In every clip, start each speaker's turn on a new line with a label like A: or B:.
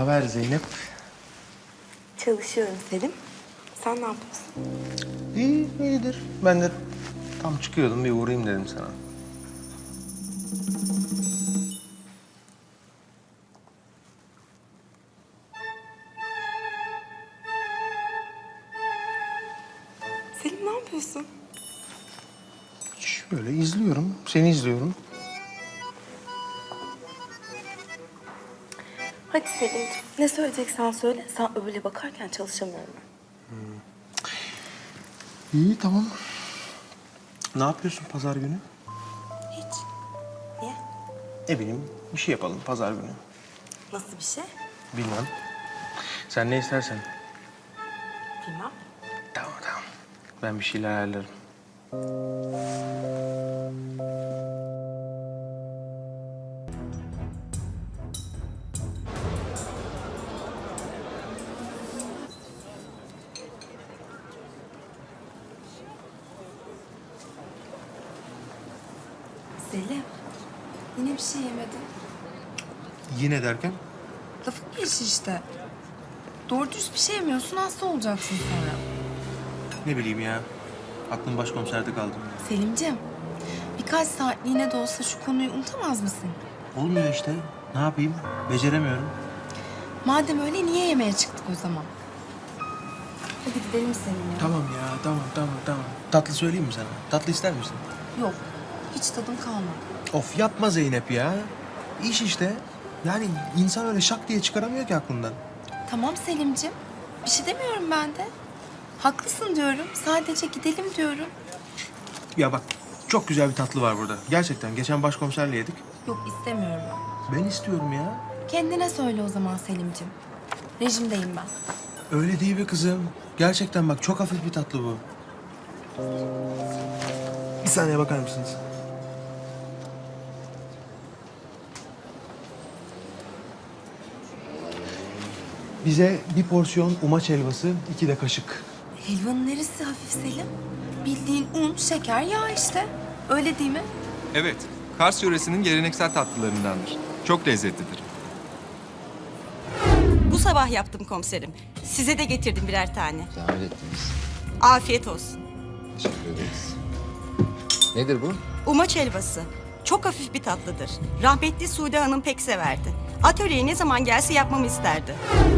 A: haber Zeynep?
B: Çalışıyorum Selim. Sen ne yapıyorsun?
A: İyi, iyidir. Ben de tam çıkıyordum, bir uğrayayım dedim sana.
B: Selim ne yapıyorsun?
A: Şöyle izliyorum, seni izliyorum.
B: Hadi Selim, ne söyleyeceksen söyle. Sen öyle bakarken çalışamıyorum ben.
A: İyi, tamam. Ne yapıyorsun pazar günü?
B: Hiç. Niye?
A: Ne bileyim, bir şey yapalım pazar günü.
B: Nasıl bir şey?
A: Bilmem. Sen ne istersen.
B: Bilmem.
A: Tamam, tamam. Ben bir şeyler ayarlarım.
C: Selim, yine bir şey yemedin.
A: Yine derken?
C: Lafın gelişi işte. Doğru dürüst bir şey yemiyorsun, hasta olacaksın sonra.
A: Ne bileyim ya. Aklım başkomiserde kaldı.
C: Selimciğim, birkaç saatliğine de olsa şu konuyu unutamaz mısın?
A: Olmuyor işte. Ne yapayım? Beceremiyorum.
C: Madem öyle niye yemeğe çıktık o zaman? Hadi gidelim seninle.
A: Tamam ya, tamam. Tatlı söyleyeyim mi sana? Tatlı ister misin?
C: Yok, hiç tadım kalmadı.
A: Of yapma Zeynep ya. İş işte. Yani insan öyle şak diye çıkaramıyor ki aklından.
C: Tamam Selimciğim, bir şey demiyorum ben de. Haklısın diyorum, sadece gidelim diyorum.
A: Ya bak çok güzel bir tatlı var burada. Gerçekten geçen başkomiserle yedik.
C: Yok istemiyorum ben.
A: Ben istiyorum ya.
C: Kendine söyle o zaman Selimciğim. Rejimdeyim ben.
A: Öyle değil be kızım. Gerçekten bak çok hafif bir tatlı bu. Bir saniye bakar mısınız? Bize bir porsiyon umaç helvası, 2 de kaşık.
C: Helvanın neresi hafif Selim? Bildiğin un, şeker, yağ işte. Öyle değil mi?
D: Evet, Kars yöresinin geleneksel tatlılarındandır. Çok lezzetlidir.
E: Bu sabah yaptım komiserim. Size de getirdim birer tane.
F: Zahmet ettiniz.
E: Afiyet olsun.
F: Teşekkür ederiz. Nedir bu?
E: Umaç helvası. Çok hafif bir tatlıdır. Rahmetli Sude Hanım pek severdi. Atölyeye ne zaman gelse yapmamı isterdi.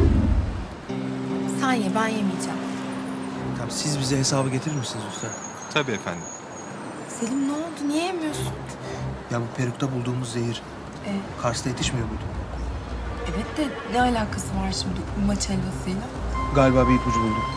C: Sen ye, ben yemeyeceğim.
A: Tamam siz bize hesabı getirir misiniz lütfen?
D: Tabii efendim.
C: Selim ne oldu? Niye yemiyorsun?
A: Ya bu perukta bulduğumuz zehir Kars'ta yetişmiyor muydu?
C: Evet de ne alakası var şimdi bu maç helvasıyla?
A: Galiba bir ipucu buldum.